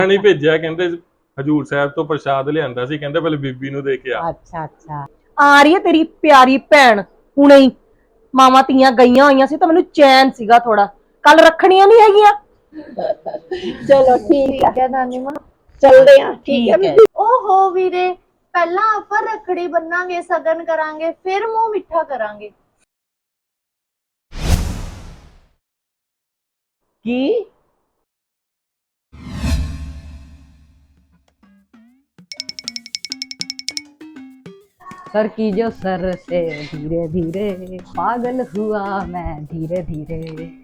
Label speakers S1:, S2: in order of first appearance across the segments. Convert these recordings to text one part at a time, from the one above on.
S1: ਨਹੀਂ ਭੇਜਿਆ, ਕਹਿੰਦੇ ਹਜੂਰ ਸਾਹਿਬ ਤੋਂ ਪ੍ਰਸ਼ਾਦ ਲਿਆਂਦਾ ਸੀ, ਕਹਿੰਦੇ ਪਹਿਲੇ ਬੀਬੀ ਨੂੰ ਦੇ ਕੇ ਆ।
S2: ਅੱਛਾ ਅੱਛਾ, ਆ ਰਹੀ ਹੈ ਤੇਰੀ ਪਿਆਰੀ ਭੈਣ ਹੁਣੇ ਹੀ। ਮਾਵਾਂ ਧੀਆਂ ਗਈਆਂ ਹੋਈਆਂ ਸੀ ਤਾਂ ਮੈਨੂੰ ਚੈਨ ਸੀਗਾ ਥੋੜਾ, ਕੱਲ ਰੱਖਣੀਆਂ ਨਹੀਂ ਹੈਗੀਆਂ।
S3: ਚਲੋ ਠੀਕ ਹੈ ਨਾਨੀ ਮਾਂ, ਚਲਦੇ ਆ। ਠੀਕ ਹੈ
S2: ਹੈ।
S3: ਓਹੋ ਵੀਰੇ, ਪਹਿਲਾਂ ਆਪਾਂ ਰੱਖੜੀ ਬੰਨਾਂਗੇ, ਸਗਨ ਕਰਾਂਗੇ, ਫਿਰ ਮੂੰਹ ਮਿੱਠਾ ਕਰਾਂਗੇ।
S2: ਕੀ? सर की जो सर से धीरे धीरे पागल हुआ मैं धीरे धीरे।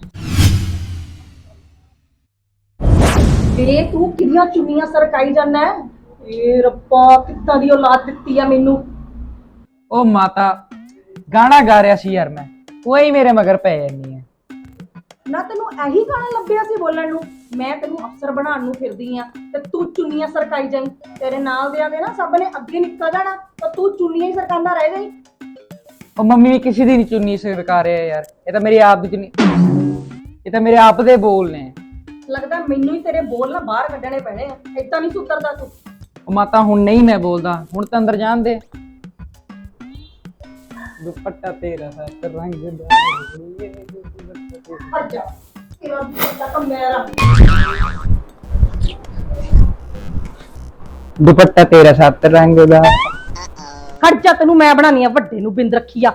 S2: वे तू किन्नियां चुन्नियां सरकाई जाना है? ए रब्बा, कित्तां दी औलाद दित्ती है मैनू।
S4: ओ माता, गाना गा रहा सी यार मैं, कोई मेरे मगर पै नहीं है
S2: ना। तेनू यही गाना लभ्या सी बोलण नू? मैं तेनू अफसर बनाउण नू फिरदी आ ते तू चुन्नियां सरकाई जाई। तेरे नाल दियां दे ना सब ने अगे निकल जाना, तो तू चुन्नियां ही सरकांदा रह जाई।
S4: ओ मम्मी भी किसी दी नहीं चुन्नी सरका रहे यार, ये तो मेरी आप दी चुन्नी, ये तो मेरे आप दे बोल ने।
S2: लगदा मैनू ही तेरे बोल ना बाहर कड्ढणे पैणे आ, इदां नहीं सुधरदा तू।
S4: ओ माता हुण नहीं मैं बोलदा, हुण तो अंदर जान दे। दुपट्टा तेरा है रंग दा,
S2: हट जा, तेरा दुपट्टा तो मेरा।
S4: दुपट्टा तेरा साथ रंग दा।
S2: हट जा, तेनू मैं बनानी आ वड्डे नू बिंद रखिया।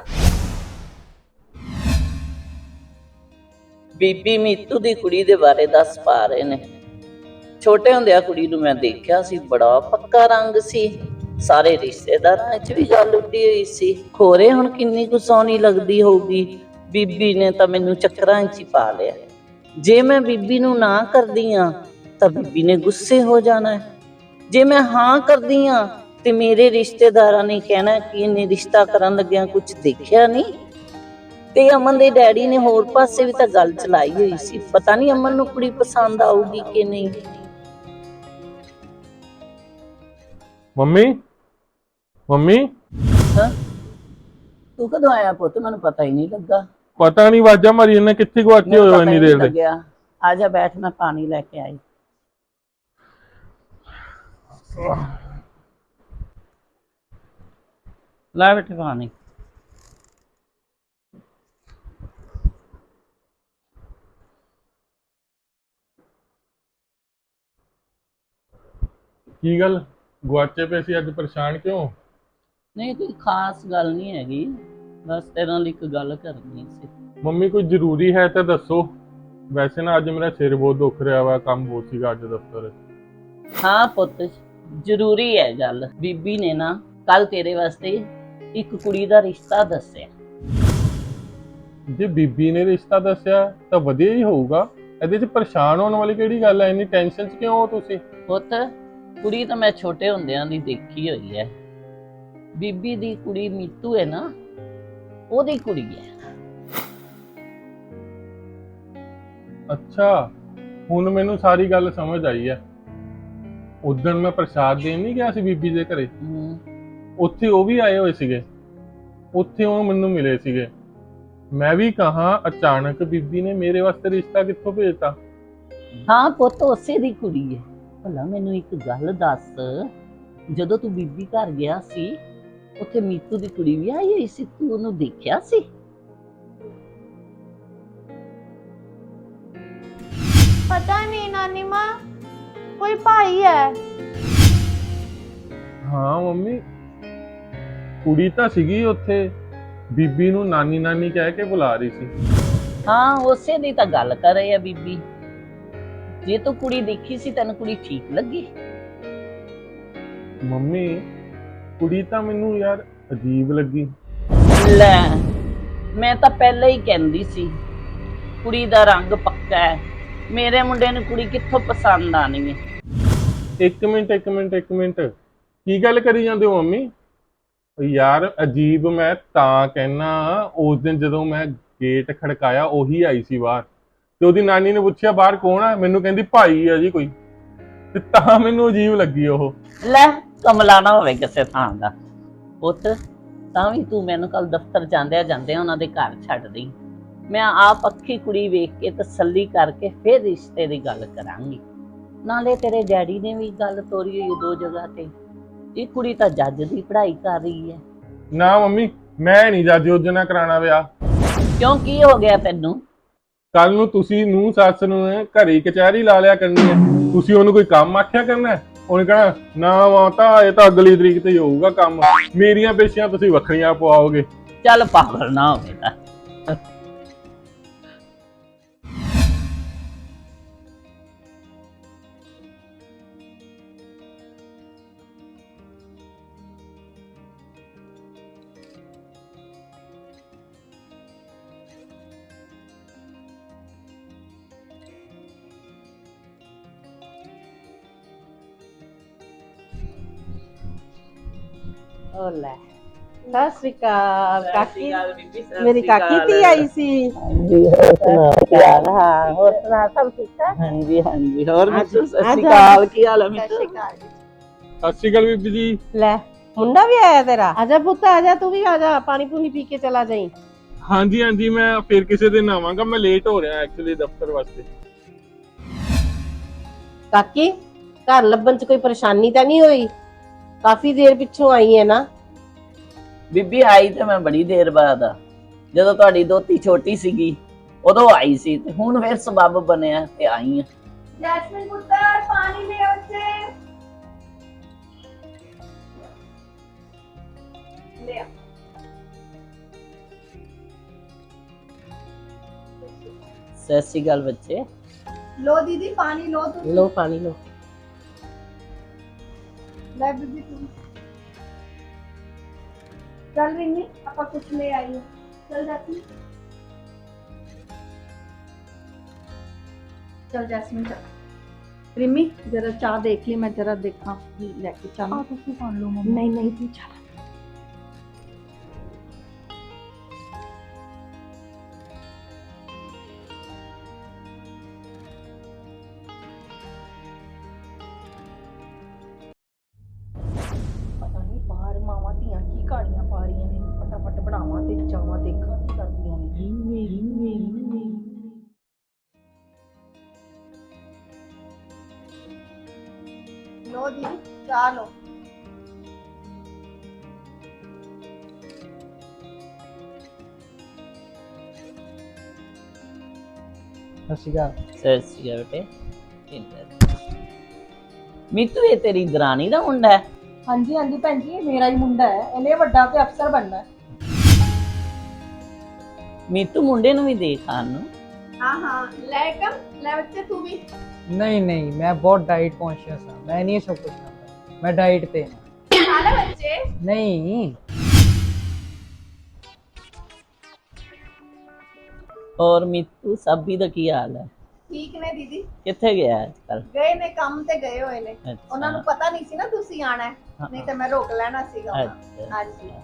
S5: ਬੀਬੀ ਮੀਤੂ ਦੀ ਕੁੜੀ ਦੇ ਬਾਰੇ ਦੱਸ ਪਾ ਰਹੇ ਨੇ। ਛੋਟੇ ਹੁੰਦਿਆਂ ਕੁੜੀ ਨੂੰ ਮੈਂ ਦੇਖਿਆ ਸੀ, ਬੜਾ ਪੱਕਾ ਰੰਗ ਸੀ, ਸਾਰੇ ਰਿਸ਼ਤੇਦਾਰਾਂ 'ਚ ਵੀ ਗੱਲ ਉੱਡੀ ਹੋਈ ਸੀ। ਖੋਰੇ ਹੁਣ ਕਿੰਨੀ ਕੁ ਸੋਹਣੀ ਲੱਗਦੀ ਹੋਊਗੀ। ਬੀਬੀ ਨੇ ਤਾਂ ਮੈਨੂੰ ਚੱਕਰਾਂ 'ਚ ਹੀ ਪਾ ਲਿਆ। ਜੇ ਮੈਂ ਬੀਬੀ ਨੂੰ ਨਾ ਕਰਦੀ ਆ ਤਾਂ ਬੀਬੀ ਨੇ ਗੁੱਸੇ ਹੋ ਜਾਣਾ, ਜੇ ਮੈਂ ਹਾਂ ਕਰਦੀ ਆ ਤੇ ਮੇਰੇ ਰਿਸ਼ਤੇਦਾਰਾਂ ਨੇ ਕਹਿਣਾ ਕਿ ਇਹਨੇ ਰਿਸ਼ਤਾ ਕਰਨ ਲੱਗਿਆ ਕੁਝ ਦੇਖਿਆ ਨਹੀਂ। ਤੇ ਅਮਨ ਦੇ ਡੈਡੀ ਨੇ ਹੋਰ ਪਾਸੇ ਵੀ ਤਾਂ ਗੱਲ ਚਲਾਈ ਹੋਈ ਸੀ, ਪਤਾ ਨਹੀਂ ਅਮਨ ਨੂੰ ਕੁੜੀ ਪਸੰਦ ਆਊਗੀ ਕਿ ਨਹੀਂ।
S1: ਮੰਮੀ ਮੰਮੀ
S5: ਹਾਂ, ਤੂੰ ਕਦੋਂ ਆਇਆ ਪੁੱਤ? ਮੈਨੂੰ ਪਤਾ ਹੀ ਨਹੀਂ ਲੱਗਾ।
S1: ਪਤਾ ਨਹੀਂ ਵਾਜਾ ਮਾਰੀ ਇਹਨੇ, ਕਿੱਥੇ ਗਵਾਚੇ ਹੋਏ ਹੋ ਇੰਨੀ ਦੇਰ ਦੇ।
S5: ਆ ਜਾ ਬੈਠ, ਮੈਂ ਪਾਣੀ ਲੈ ਕੇ ਆਈ। ਲੈ ਬੇਟੇ ਪਾਣੀ।
S1: ਕੀ ਗੱਲ ਗਵਾਚੇ ਪਏ ਸੀ ਅੱਜ, ਪਰੇਸ਼ਾਨ ਕਿਉਂ?
S5: ਨਹੀਂ ਕੋਈ ਖਾਸ ਗੱਲ ਨਹੀਂ ਹੈਗੀ, ਬਸ ਤੇਰੇ ਨਾਲ ਇੱਕ ਗੱਲ ਕਰਨੀ ਸੀ।
S1: ਮੰਮੀ ਕੋਈ ਜ਼ਰੂਰੀ ਹੈ ਤਾਂ ਦੱਸੋ। ਵੈਸੇ ਨਾ ਅੱਜ ਮੇਰਾ ਸਿਰ ਬਹੁਤ ਦੁਖ ਰਿਹਾ ਵਾ, ਕੰਮ ਬਹੁਤ ਸੀਗਾ ਅੱਜ ਦਫ਼ਤਰ।
S5: ਹਾਂ ਪੁੱਤ, ਜ਼ਰੂਰੀ ਹੈ ਗੱਲ। ਬੀਬੀ ਨੇ ਨਾ ਕੱਲ ਤੇਰੇ ਵਾਸਤੇ ਇੱਕ ਕੁੜੀ ਦਾ ਰਿਸ਼ਤਾ ਦੱਸਿਆ।
S1: ਜੇ ਬੀਬੀ ਨੇ ਰਿਸ਼ਤਾ ਦੱਸਿਆ ਤਾਂ ਵਧੀਆ ਹੀ ਹੋਊਗਾ, ਇਹਦੇ 'ਚ ਪਰੇਸ਼ਾਨ ਹੋਣ ਵਾਲੀ ਕਿਹੜੀ ਗੱਲ ਹੈ? ਇੰਨੀ ਟੈਨਸ਼ਨ 'ਚ ਕਿਉਂ ਹੋ ਤੁਸੀਂ?
S5: ਪੁੱਤ ਕੁੜੀ ਤਾਂ ਮੈਂ ਛੋਟੇ ਹੁੰਦਿਆਂ ਦੀ ਦੇਖੀ ਹੋਈ ਹੈ। ਬੀਬੀ ਦੀ ਕੁੜੀ ਮੀਤੂ ਹੈ ਨਾ, ਉਹਦੀ ਕੁੜੀ ਹੈ।
S1: ਅੱਛਾ, ਹੁਣ ਮੈਨੂੰ ਸਾਰੀ ਗੱਲ ਸਮਝ ਆਈ ਹੈ। ਉਦੋਂ ਮੈਂ ਪ੍ਰਸ਼ਾਦ ਦੇਣ ਨਹੀਂ ਗਿਆ ਸੀ ਬੀਬੀ ਦੇ ਘਰੇ, ਉੱਥੇ ਉਹ ਵੀ ਆਏ ਹੋਏ ਸੀਗੇ, ਉੱਥੇ ਉਹ ਮੈਨੂੰ ਮਿਲੇ ਸੀਗੇ। ਮੈਂ ਵੀ ਕਹਾ ਅਚਾਨਕ ਬੀਬੀ ਨੇ ਮੇਰੇ ਵਾਸਤੇ ਰਿਸ਼ਤਾ ਕਿੱਥੋਂ ਭੇਜਤਾ?
S5: ਹਾਂ ਪੁੱਤ, ਉਸੇ ਦੀ ਕੁੜੀ ਹੈ। ਭਲਾ ਮੈਨੂੰ ਇੱਕ ਗੱਲ ਦੱਸ, ਜਦੋਂ ਤੂੰ ਬੀਬੀ ਘਰ ਗਿਆ ਸੀ ਉੱਥੇ ਮੀਤੂ ਦੀ ਕੁੜੀ ਵੀ ਆਈ ਹੋਈ ਸੀ, ਤੂੰ ਉਹਨੂੰ ਦੇਖਿਆ ਸੀ?
S3: ਪਤਾ ਨਹੀਂ ਨਾਨੀ ਮਾਂ, ਕੋਈ ਭਾਈ ਹੈ।
S1: ਹਾਂ ਮੰਮੀ, ਕੁੜੀ ਤਾਂ ਸੀਗੀ ਉੱਥੇ, ਬੀਬੀ ਨੂੰ ਨਾਨੀ ਨਾਨੀ ਕਹਿ ਕੇ ਬੁਲਾ ਰਹੀ ਸੀ।
S5: ਹਾਂ ਉਸੇ ਦੀ ਤਾਂ ਗੱਲ ਕਰ ਰਹੀ ਆ ਬੀਬੀ। ਜੇ ਤੂੰ ਕੁੜੀ ਦੇਖੀ ਸੀ, ਤੈਨੂੰ ਕੁੜੀ ਠੀਕ ਲੱਗੀ?
S1: ਮੰਮੀ ਕੁੜੀ ਤਾਂ ਮੈਨੂੰ ਯਾਰ ਅਜੀਬ ਲੱਗੀ।
S5: ਲੈ, ਮੈਂ ਤਾਂ ਪਹਿਲਾਂ ਹੀ ਕਹਿੰਦੀ ਸੀ ਕੁੜੀ ਦਾ ਰੰਗ ਪੱਕਾ ਹੈ, ਮੇਰੇ ਮੁੰਡੇ ਨੂੰ ਕੁੜੀ ਕਿੱਥੋਂ ਪਸੰਦ ਆਣੀ ਹੈ।
S1: ਇੱਕ ਮਿੰਟ, ਕੀ ਗੱਲ ਕਰੀ ਜਾਂਦੇ ਹੋ ਮੰਮੀ? ਯਾਰ ਅਜੀਬ ਮੈਂ ਤਾਂ ਕਹਿਣਾ, ਉਸ ਦਿਨ ਜਦੋਂ ਮੈਂ ਗੇਟ ਖੜਕਾਇਆ ਉਹੀ ਆਈ ਸੀ ਬਾਹਰ, ਤੇ ਉਹਦੀ ਨਾਨੀ ਨੇ ਪੁੱਛਿਆ ਬਾਹਰ ਕੌਣ ਆ, ਮੈਨੂੰ ਕਹਿੰਦੀ ਭਾਈ ਆ ਜੀ ਕੋਈ, ਤੇ ਤਾਂ ਮੈਨੂੰ ਅਜੀਬ ਲੱਗੀ ਉਹ।
S5: ਲੈ ਕਮਲਾ ਨਾ ਹੋਵੇ ਕਿਸੇ ਥਾਂ ਦਾ ਪੁੱਤ, ਤਾਂ ਵੀ ਤੂੰ ਮੈਨੂੰ ਕੱਲ ਦਫ਼ਤਰ ਜਾਂਦਿਆਂ ਉਹਨਾਂ ਦੇ ਘਰ ਛੱਡ ਦੀ। ਮੈਂ ਆਪ ਅੱਖੀ ਕੁੜੀ ਵੇਖ ਕੇ ਤਸੱਲੀ ਕਰਕੇ ਫਿਰ ਰਿਸ਼ਤੇ ਦੀ ਗੱਲ ਕਰਾਂਗੀ। ਨਾਲੇ ਤੇਰੇ ਡੈਡੀ ਨੇ ਵੀ ਗੱਲ ਤੋਰੀ ਹੋਈ ਦੋ ਜਗ੍ਹਾ ਤੇ। ਇਹ ਕੁੜੀ ਤਾਂ ਜੱਜ ਦੀ ਪੜ੍ਹਾਈ ਕਰ ਰਹੀ ਹੈ।
S1: ਨਾ ਮੰਮੀ, ਮੈਂ ਨਹੀਂ ਜੱਜ ਉਹਦੇ ਨਾਲ ਕਰਾਉਣਾ ਵਿਆਹ।
S5: ਕਿਉਂ, ਕੀ ਹੋ ਗਿਆ ਤੈਨੂੰ?
S1: ਕੱਲ ਨੂੰ ਤੁਸੀਂ ਨੂੰ ਸੱਸ ਨੂੰ ਘਰੇ ਕਚਹਿਰੀ ਲਾ ਲਿਆ ਕਰਨੀ ਹੈ। ਤੁਸੀਂ ਉਹਨੂੰ ਕੋਈ ਕੰਮ ਆਖਿਆ ਕਰਨਾ ਹੈ? ਉਹਨੇ ਕਹਣਾ ਨਾ ਮਾਤਾ ਇਹ ਤਾਂ ਅਗਲੀ ਤਰੀਕ ਤੇ ਹੀ ਹੋਊਗਾ ਕੰਮ, ਮੇਰੀਆਂ ਪੇਸ਼ੀਆਂ ਤੁਸੀਂ ਵੱਖਰੀਆਂ ਪਵਾਓਗੇ।
S5: ਚੱਲ ਪਾਗਲ ਨਾ ਹੋ ਬੇਟਾ।
S6: ਓ ਲੈ, ਸਤਿ ਸ਼੍ਰੀ ਅਕਾਲ ਕਾਕੀ। ਮੇਰੀ ਕਾਕੀ ਧੀ ਆਈ ਸੀ।
S5: ਹਾਂਜੀ, ਹੋਰ ਸੁਣਾ ਕੀ ਹਾਲ? ਹਾਂ, ਹੋਰ ਸੁਣਾ ਸਭ ਠੀਕ ਹੈ? ਹਾਂਜੀ ਹਾਂਜੀ। ਹੋਰ ਮਿੱਠੂ ਸਤਿ ਸ਼੍ਰੀ ਅਕਾਲ, ਕੀ ਹਾਲ ਹੈ ਮਿੱਠੂ?
S1: ਸਤਿ ਸ਼੍ਰੀ ਅਕਾਲ ਬੀਬੀ ਜੀ।
S6: ਲੈ, ਮੁੰਡਾ ਵੀ ਆਇਆ ਤੇਰਾ? ਆਜਾ ਪੁੱਤ ਆਜਾ, ਤੂੰ ਵੀ ਆਜਾ, ਪਾਣੀ ਪੂਣੀ ਪੀ ਕੇ ਚਲਾ ਜਾਈਂ।
S1: ਹਾਂਜੀ ਹਾਂਜੀ, ਮੈਂ ਫਿਰ ਕਿਸੇ ਦਿਨ ਆਵਾਂਗਾ, ਮੈਂ ਲੇਟ ਹੋ ਰਿਹਾ ਐਕਚੁਅਲੀ ਦਫ਼ਤਰ ਵਾਸਤੇ।
S6: ਕਾਕੀ, ਘਰ ਲੱਭਣ ਚ ਕੋਈ ਪਰੇਸ਼ਾਨੀ ਤਾਂ ਨਹੀਂ ਹੋਈ? ਕਾਫੀ ਦੇਰ ਪਿੱਛੋਂ ਆਈ ਹੈ ਨਾ?
S5: ਬੀਬੀ ਆਈ ਤੇ ਮੈਂ ਬੜੀ ਦੇਰ ਬਾਅਦ ਆ। ਜਦੋਂ ਤੁਹਾਡੀ ਦੋਤੀ ਛੋਟੀ ਸੀਗੀ ਉਦੋਂ ਆਈ ਸੀ, ਤੇ ਹੁਣ ਫਿਰ ਸਬੱਬ ਬਣਿਆ ਤੇ ਆਈ ਆ।
S2: ਜੈਸਮੀਨ ਪੁੱਤਰ ਪਾਣੀ ਲੈ ਉੱਥੇ ਲੈ ਆ।
S5: ਸਤਿ ਸ਼੍ਰੀ ਅਕਾਲ ਬੱਚੇ।
S2: लो दीदी पानी लो तुम।
S6: ਲੋ ਪਾਣੀ ਲੋ।
S2: ले दीदी तुम चल रिमी आपा कुछ ले आई है। चल जैस्मिन, चल जैस्मिन चल। रिमी जरा चाह देख ली, मैं जरा देखा लेके चल। नहीं नहीं तू चल। ਪਤਾ ਨਹੀਂ ਬਾਹਰ ਮਾਵਾਂ ਧੀਆਂ ਕੀ ਕਾੜੀਆਂ ਪਾ ਰਹੀਆਂ ਨੇ। ਫਟਾਫਟ ਬਣਾਵਾਂ ਤੇ ਜਾਵਾਂ ਦੇਖਾਂ ਕੀ ਕਰਦੀਆਂ ਨੇ। लो दीदी चाह लो।
S4: ਸਤਿ ਸ਼੍ਰੀ ਅਕਾਲ।
S5: ਸਤਿ ਸ਼੍ਰੀ ਅਕਾਲ ਬੇਟੇ। ਮੀਤੂ ਇਹ ਤੇਰੀ ਦਰਾਣੀ ਦਾ ਮੁੰਡਾ ਹੈ?
S2: ਹਾਂਜੀ ਹਾਂਜੀ ਭੈਣ ਜੀ, ਇਹ ਮੇਰਾ ਹੀ ਮੁੰਡਾ ਹੈ। ਇਹਨੇ ਵੱਡਾ ਤੇ ਅਫਸਰ ਬਣਨਾ ਹੈ।
S5: ਮੀਤੂ ਮੁੰਡੇ ਨੂੰ ਵੀ ਦੇਖ ਆਣ ਨੂੰ।
S2: हाँ हाँ ले कम ले बच्चे तू भी।
S4: ਨਹੀਂ ਨਹੀਂ, ਮੈਂ ਬਹੁਤ ਡਾਈਟ ਕੌਨਸ਼ੀਅਸ ਹਾਂ, ਮੈਂ ਨਹੀਂ ਇਹ ਸਭ ਕੁਝ ਖਾਂਦਾ, ਮੈਂ ਡਾਈਟ ਤੇ ਹਾਂ।
S2: खा ले बच्चे।
S4: ਨਹੀਂ
S5: ਹੋਰ ਮੀਤੂ ਸਾਬੀ ਦਾ ਕੀ ਹਾਲ ਹੈ?
S2: ठीक ने दीदी
S5: ਕਿੱਥੇ ਗਿਆ ਅੱਜ ਕੱਲ?
S2: ਗਏ ਨੇ ਕੰਮ ਤੇ ਗਏ ਹੋਏ ਨੇ। ਉਹਨਾਂ ਨੂੰ ਪਤਾ ਨਹੀਂ ਸੀ ਨਾ ਤੁਸੀਂ ਆਣਾ ਹੈ, ਨਹੀਂ ਤਾਂ ਮੈਂ ਰੋਕ ਲੈਣਾ ਸੀਗਾ ਉਹਨਾਂ ਨੂੰ। ਹਾਂਜੀ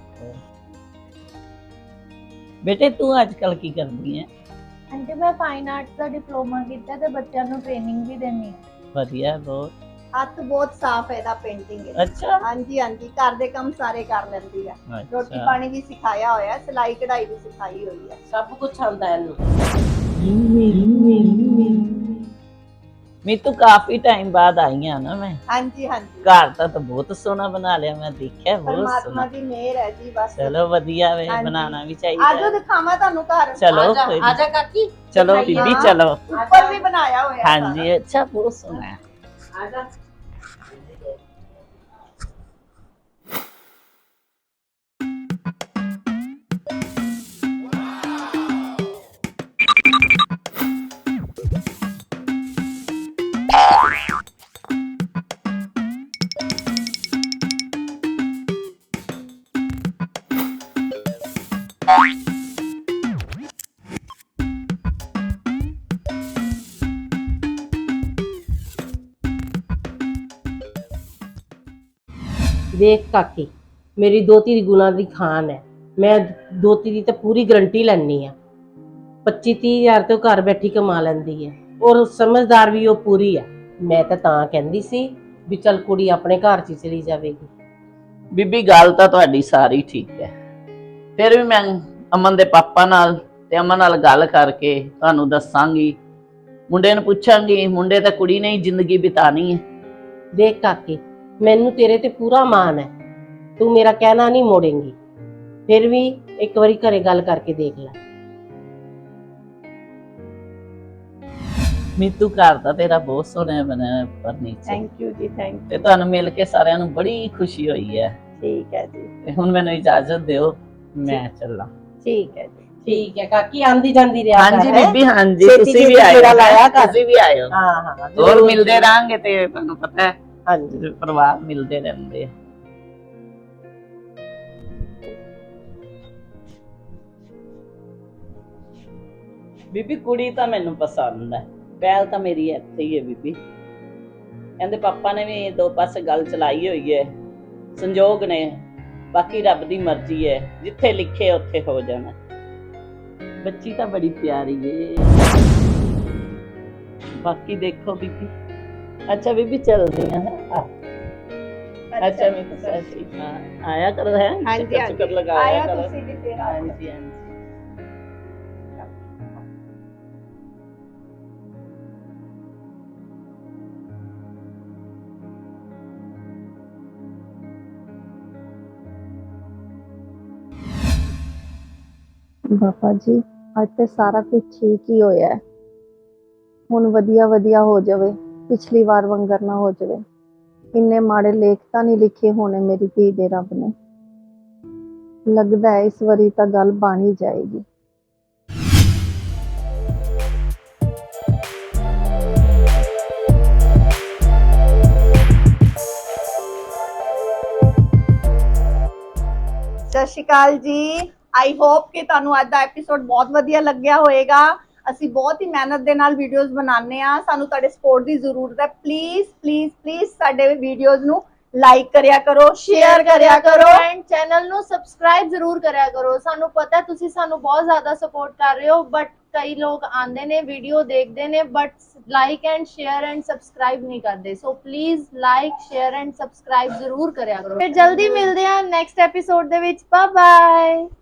S5: ਬੇਟੇ ਤੂੰ ਅੱਜ ਕੱਲ ਕੀ ਕਰਦੀ ਹੈ?
S3: ਆਂਟੀ ਮੈਂ ਫਾਈਨ ਆਰਟਸ ਦਾ ਡਿਪਲੋਮਾ ਕੀਤਾ ਤੇ ਬੱਚਿਆਂ ਨੂੰ ਟ੍ਰੇਨਿੰਗ ਵੀ ਦਿੰਦੀ ਹਾਂ।
S5: ਵਧੀਆ ਬਹੁਤ।
S2: ਹੱਥ ਬਹੁਤ ਸਾਫ਼ ਹੈ ਇਹਦਾ, ਪੇਂਟਿੰਗ ਹੈ।
S5: ਅੱਛਾ
S2: ਹਾਂਜੀ ਹਾਂਜੀ, ਘਰ ਦੇ ਕੰਮ ਸਾਰੇ ਕਰ ਲੈਂਦੀ ਹੈ। ਰੋਟੀ
S5: ਅੱਛਾ।
S2: ਪਾਣੀ ਵੀ ਸਿਖਾਇਆ ਹੋਇਆ ਹੈ, ਸਿਲਾਈ ਕਢਾਈ ਵੀ ਸਿਖਾਈ ਹੋਈ ਹੈ।
S6: ਸਭ ਕੁਝ ਆਉਂਦਾ ਇਹਨੂੰ।
S5: ਮੀਤੂ ਕਾਫੀ ਟਾਈਮ ਬਾਅਦ ਆਈ ਆ ਨਾ ਮੈਂ।
S2: ਹਾਂਜੀ ਹਾਂਜੀ,
S5: ਘਰ ਤਾਂ ਬਹੁਤ ਸੋਹਣਾ ਬਣਾ ਲਿਆ, ਮੈਂ ਦੇਖਿਆ ਬਹੁਤ
S2: ਪਰਮਾਤਮਾ
S5: ਸੋਹਣਾ।
S2: ਦੀ ਮਿਹਰ ਹੈ ਜੀ ਬਸ।
S5: ਚਲੋ ਵਧੀਆ ਵੇ,
S2: ਹਾਂਜੀ।
S5: ਬਣਾਉਣਾ ਵੀ ਚਾਹੀਦਾ
S2: ਆਜੋ
S5: ਹੈ।
S2: ਦਿਖਾਵਾਂ ਤੁਹਾਨੂੰ ਘਰ।
S5: ਚਲੋ
S6: ਆਜਾ
S5: ਕੋਈ
S6: ਆਜਾ ਕਾਕੀ।
S5: ਚਲੋ
S6: ਦਿਖਾਈਏ।
S5: ਬੀਬੀ
S2: ਹਾਂ।
S5: ਚਲੋ।
S2: ਉੱਪਰ ਵੀ ਬਣਾਇਆ ਹੋਇਆ ਹੈ
S5: ਹਾਂਜੀ ਅੱਛਾ, ਬਹੁਤ ਸੋਹਣਾ ਹੈ।
S6: ਆਜਾ। ਦੇਖ ਕਾਕੀ, ਮੇਰੀ ਦੋਤੀ ਦੀ ਗੁਣਾ ਦੀ ਖਾਨ ਹੈ। ਮੈਂ ਦੋਤੀ ਦੀ ਤਾਂ ਪੂਰੀ ਗਰੰਟੀ ਲੈਣੀ ਆ। 25-30 ਹਜ਼ਾਰ ਤੇ ਉਹ ਘਰ ਬੈਠੀ ਕਮਾ ਲੈਂਦੀ ਹੈ, ਔਰ ਸਮਝਦਾਰ ਵੀ ਉਹ ਪੂਰੀ ਹੈ। ਮੈਂ ਤਾਂ ਕਹਿੰਦੀ ਸੀ ਵੀ ਚੱਲ ਕੁੜੀ ਆਪਣੇ ਘਰ 'ਚ ਹੀ ਚਲੀ ਜਾਵੇਗੀ।
S5: ਬੀਬੀ ਗੱਲ ਤਾਂ ਤੁਹਾਡੀ ਸਾਰੀ ਠੀਕ ਹੈ, ਫਿਰ ਵੀ ਮੈਂ ਅਮਨ ਦੇ ਪਾਪਾ ਨਾਲ ਤੇ ਅਮਨ ਨਾਲ ਗੱਲ ਕਰਕੇ ਤੁਹਾਨੂੰ ਦੱਸਾਂਗੀ ਮੁੰਡੇ ਨੂੰ ਪੁੱਛਾਂਗੀ, ਮੁੰਡੇ ਤਾਂ ਕੁੜੀ ਨੇ ਹੀ ਜ਼ਿੰਦਗੀ ਬਿਤਾਣੀ ਹੈ।
S6: ਦੇਖ ਕਾਕੇ, ਮੈਨੂੰ ਤੇਰੇ ਤੇ ਪੂਰਾ ਮਾਣ ਹੈ, ਤੂੰ ਮੇਰਾ ਕਹਿਣਾ ਨਹੀਂ ਮੋੜੇਂਗੀ। ਫਿਰ ਵੀ ਇੱਕ ਵਾਰੀ ਘਰੇ ਗੱਲ ਕਰਕੇ ਦੇਖ ਲੈ।
S5: ਮੀਤੂ ਘਰ ਦਾ ਤੇਰਾ ਬਹੁਤ ਸੋਹਣਾ ਬਣਿਆ ਫਰਨੀਚਰ।
S7: ਥੈਂਕ ਯੂ ਜੀ, ਥੈਂਕ
S5: ਤੇ ਤੁਹਾਨੂੰ ਮਿਲ ਕੇ ਸਾਰਿਆਂ ਨੂੰ ਬੜੀ ਖੁਸ਼ੀ ਹੋਈ ਹੈ।
S7: ਠੀਕ ਹੈ ਜੀ,
S5: ਤੇ ਹੁਣ ਮੈਨੂੰ ਇਜਾਜ਼ਤ ਦਿਓ, ਮੈਂ ਚੱਲਾਂ।
S7: ਠੀਕ ਹੈ ਜੀ।
S6: ਠੀਕ ਹੈ ਕਾਕੀ, ਆਂਦੀ ਜਾਂਦੀ ਰਿਹਾ ਕਰ,
S5: ਹਾਂਜੀ
S6: ਹੈਂ?
S5: ਬੀਬੀ, ਹਾਂਜੀ
S6: ਛੇਤੀ
S5: ਤੁਸੀਂ ਵੀ
S6: ਛੇਤੀ
S5: ਆਇਓ,
S6: ਗੇੜਾ ਲਾਇਆ ਕਰ।
S5: ਤੁਸੀਂ ਵੀ ਆਇਓ।
S6: ਹਾਂ ਹਾਂ
S5: ਹੋਰ
S6: ਜ਼ਰੂਰ।
S5: ਮਿਲਦੇ ਰਾਂਗੇ ਤੇ ਤੁਹਾਨੂੰ ਪਤਾ ਹੈ
S6: ਹਾਂਜੀ
S5: ਪਰਿਵਾਰ ਮਿਲਦੇ ਰਹਿੰਦੇ ਆ। ਬੀਬੀ ਕੁੜੀ ਤਾਂ ਮੈਨੂੰ ਪਸੰਦ ਹੈ, ਪਹਿਲ ਤਾਂ ਮੇਰੀ ਇੱਥੇ ਹੀ ਹੈ ਬੀਬੀ। ਕਹਿੰਦੇ ਪਾਪਾ ਨੇ ਵੀ ਦੋ ਪਾਸੇ ਗੱਲ ਚਲਾਈ ਹੋਈ ਹੈ, ਸੰਜੋਗ ਨੇ, ਬਾਕੀ ਰੱਬ ਦੀ ਮਰਜ਼ੀ ਹੈ, ਜਿੱਥੇ ਲਿਖੇ ਉੱਥੇ ਹੋ ਜਾਣਾ। ਬੱਚੀ ਤਾਂ ਬੜੀ ਪਿਆਰੀ ਏ, ਬਾਕੀ ਦੇਖੋ ਬੀਬੀ। ਅੱਛਾ ਬੀਬੀ ਚੱਲਦੀ ਆ। ਅੱਛਾ ਮੈਂ ਸੱਚੀ ਆਇਆ ਕਰੋ ਹੈ।
S7: ਹਾਂਜੀ,
S5: ਚੱਕਰ ਲਗਾਇਆ
S7: ਆਇਆ
S5: ਕਰੋ।
S7: ਤੁਸੀਂ ਵੀ ਫਿਰ ਆਓ।
S5: ਹਾਂਜੀ ਹਾਂਜੀ।
S8: ਬਾਬਾ ਜੀ, ਅੱਜ ਤੇ ਸਾਰਾ ਕੁਝ ਠੀਕ ਹੀ ਹੋਇਆ ਹੈ। ਹੁਣ ਵਧੀਆ ਵਧੀਆ ਹੋ ਜਾਵੇ, ਪਿਛਲੀ ਵਾਰ ਵਾਂਗਰ ਨਾ ਹੋ ਜਾਵੇ। ਇੰਨੇ ਮਾੜੇ ਲੇਖ ਤਾਂ ਨਹੀਂ ਲਿਖੇ ਹੋਣੇ ਮੇਰੀ ਧੀ ਦੇ ਰੱਬ ਨੇ। ਲੱਗਦਾ ਹੈ ਇਸ ਵਾਰੀ ਤਾਂ ਗੱਲ ਬਣ ਹੀ ਜਾਏਗੀ।
S7: ਸਤਿ ਸ਼੍ਰੀ ਅਕਾਲ ਜੀ। ਆਈ ਹੋਪ ਕਿ ਤੁਹਾਨੂੰ ਅੱਜ ਦਾ ਐਪੀਸੋਡ ਬਹੁਤ ਵਧੀਆ ਲੱਗਿਆ ਹੋਵੇਗਾ। ਅਸੀਂ ਬਹੁਤ ਹੀ ਮਿਹਨਤ ਦੇ ਨਾਲ ਵੀਡੀਓਜ਼ ਬਣਾਉਂਦੇ ਆ, ਸਾਨੂੰ ਤੁਹਾਡੇ ਸਪੋਰਟ ਦੀ ਜ਼ਰੂਰਤ ਹੈ। ਪਲੀਜ਼ ਪਲੀਜ਼ ਪਲੀਜ਼ ਸਾਡੇ ਵੀਡੀਓਜ਼ ਨੂੰ ਲਾਈਕ ਕਰਿਆ ਕਰੋ, ਸ਼ੇਅਰ ਕਰਿਆ ਕਰੋ
S3: ਐਂਡ ਚੈਨਲ ਨੂੰ ਸਬਸਕ੍ਰਾਈਬ ਜ਼ਰੂਰ ਕਰਿਆ ਕਰੋ। ਸਾਨੂੰ ਪਤਾ ਹੈ ਤੁਸੀਂ ਸਾਨੂੰ ਬਹੁਤ ਜ਼ਿਆਦਾ ਸਪੋਰਟ ਕਰ ਰਹੇ ਹੋ, ਬਟ ਕਈ ਲੋਕ ਆਉਂਦੇ ਨੇ, ਵੀਡੀਓ ਦੇਖਦੇ ਨੇ, but like and share and subscribe ਨਹੀਂ ਕਰਦੇ। So please like, share and subscribe ਜ਼ਰੂਰ ਕਰਿਆ ਕਰੋ। ਫਿਰ ਜਲਦੀ ਮਿਲਦੇ ਹਾਂ ਨੈਕਸਟ ਐਪੀਸੋਡ ਦੇ ਵਿੱਚ। Bye bye.